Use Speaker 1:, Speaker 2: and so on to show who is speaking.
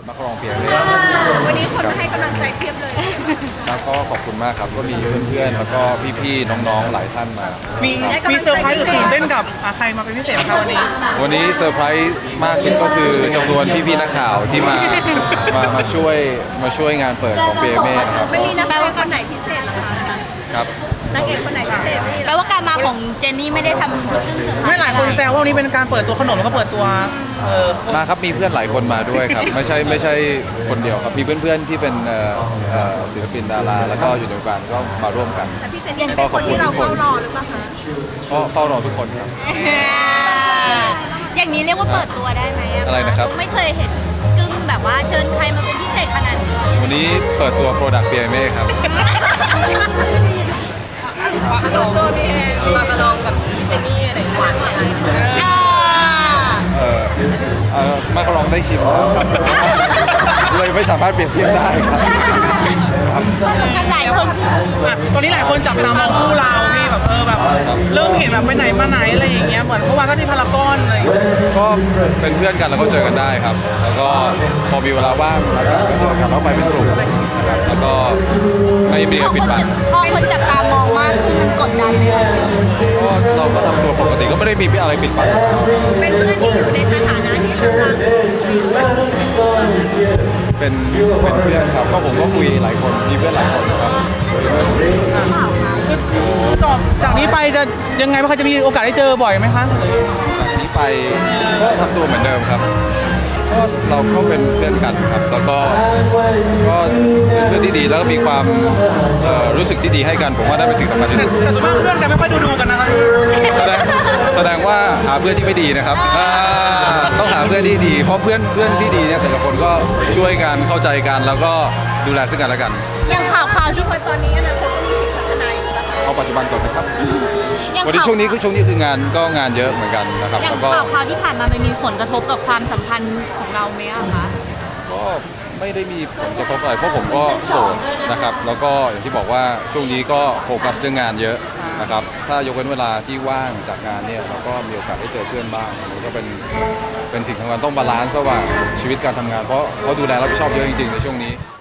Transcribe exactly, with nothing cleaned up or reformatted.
Speaker 1: มาครองเพียงเลย
Speaker 2: วันนี้คนให้กำลังใจเพียบเลย
Speaker 1: ครับก็ขอบคุณมากครับก็มีเพื่อนๆแล้วก็พี่ๆน้องๆหลายท่านมา
Speaker 3: มีมีเซอร์ไพรส์หรือตื่นเต้นกับใครมาเป็นพิเศษคะวันนี้
Speaker 1: วันนี้เซอร์ไพรส์มากสุดก็คือจำนวนพี่ๆนักข่าวที่มามามาช่วยมาช่วยงานเปิดของเปียเม่นะครับ
Speaker 2: ไม่มีนักแปลว่าคนไหนพิเศษหรอคะ
Speaker 1: ครับ
Speaker 2: นักเอกคนไหนพิเศษ
Speaker 4: แปลว่าการมาของเจนนี่ไม่ได้ทำพึ่งเซอร์ไพรส์
Speaker 3: ไม่หลายคนแซวว่าวันนี้เป็นการเปิดตัวขนมแล้วก็เปิดตัวเออ
Speaker 1: มาครับมีเพื่อนหลายคนมาด้วยครับไม่ใช่ไม่ใช่คนเดียวครับมีเพื่อนๆที่เป็นศิลปินดาราแล้วก็อยู่ในวงการก็มาร่วมกัน
Speaker 2: แต่พี่เจนนี่เป็นคนที่เราเฝ้ารอหรือเปล่าคะ
Speaker 1: ก็เฝ้ารอทุกคนครับ
Speaker 4: อย่างนี้เรียกว่าเปิดตัวได้ไหม
Speaker 1: อะไรนะครับ
Speaker 4: ไม่เคยเห็นกึ้งแบบว่าเชิญใครมาเป็นพิเศษขนาดนี้
Speaker 1: วันนี้เปิดตัวโปรดักต์เปียเม่ครับ
Speaker 2: ปากกระลองปากกระลองกับพี่เจนนี่อะไรหวานอะไร
Speaker 1: เออเออมาก็ลองได้ชิมแล้วครับเลยไม่สามารถเปรียบเทียบได้ครับ
Speaker 4: หลายคน
Speaker 3: ตอนนี้หลายคนจับตามองคู่เราพี่แบบเออแบบเริ่มเห็นแบบไปไหนมาไหนอะไรอย่างเงี้ยเหมือนเมื่อวานก็ที่พารากอนอะไร
Speaker 1: ก็เป็นเพื่อนกันแล้วก็เจอกันได้ครับแล้วก็พอมีเวลาว่างแล้วก็เจอกันแล้วไปเป็นกลุ่มนะครับแล้วก็ไม่มีปิดบัง
Speaker 4: พอคนจับตามองมากมันกดดันไหมคะ
Speaker 1: ก็เราก็ทำตัวปกติก็ไม่ได้มีอะไรปิดบัง
Speaker 2: เป็นเพื่อนที่อยู่ในสถานะที่กำลัง
Speaker 1: เป็นเป็นเพื่อนครับก็ผมก็คุยหลายคนมีเพื่อนหลายคนครับ
Speaker 3: คือต่อจากนี้ไปจะยังไงบ้างคะจะมีโอกาสได้เจอบ่อยไหมคะ
Speaker 1: จากนี้ไปก็ทำตัวเหมือนเดิมครับก็เราก็เป็นเพื่อนกันครับแล้วก็ก็เป็นเพื่อนที่ดีแล้วก็มีความรู้สึกที่ดีให้กันผมว่าได้เป็นสิ่งสำคัญที่สุด
Speaker 3: แต่ส่วนมากเพื่อนกันไม่ค่อยดูดูกันนะครับ
Speaker 1: แสดงแสดงว่าหาเพื่อนที่ไม่ดีนะครับต้องหาเพื่อนที่ดีเพราะเพื่อนเพื่อนที่ดีเนี่ยแต่ละคนก็ช่วยกันเข้าใจกันแล้วก็ดูแลซึ่งกันและกัน
Speaker 4: อย่างข่าวข่าวที่
Speaker 2: คนตอนนี้นะคนก็มีสิทธิ์พัฒนาอยู่
Speaker 1: เอาปัจจุบันก่อนนะครับวันนี้ช่วงนี้คือช่วงนี้คืองานก็งานเยอะเหมือนกันนะครับ
Speaker 4: อย่างข่าวข่าวที่ผ่านมามันมีผลกระทบกับความสัมพันธ์ของเราไหมคะ
Speaker 1: ก็ไม่ได้มีผลกระทบอะไรเพราะผมก็โสดนะครับแล้วก็อย่างที่บอกว่าช่วงนี้ก็โฟกัสเรื่องงานเยอะนะครับถ้ายกเว้นเวลาที่ว่างจากงานเนี่ยเราก็มีโอกาสได้เจอเพื่อนบ้างมันก็เป็นเป็นสิ่งสำคัญต้องบาลานซ์ระหว่างชีวิตการทำงานเพราะเขาดูแลรับผิดชอบเยอะจริงๆในช่วงนี้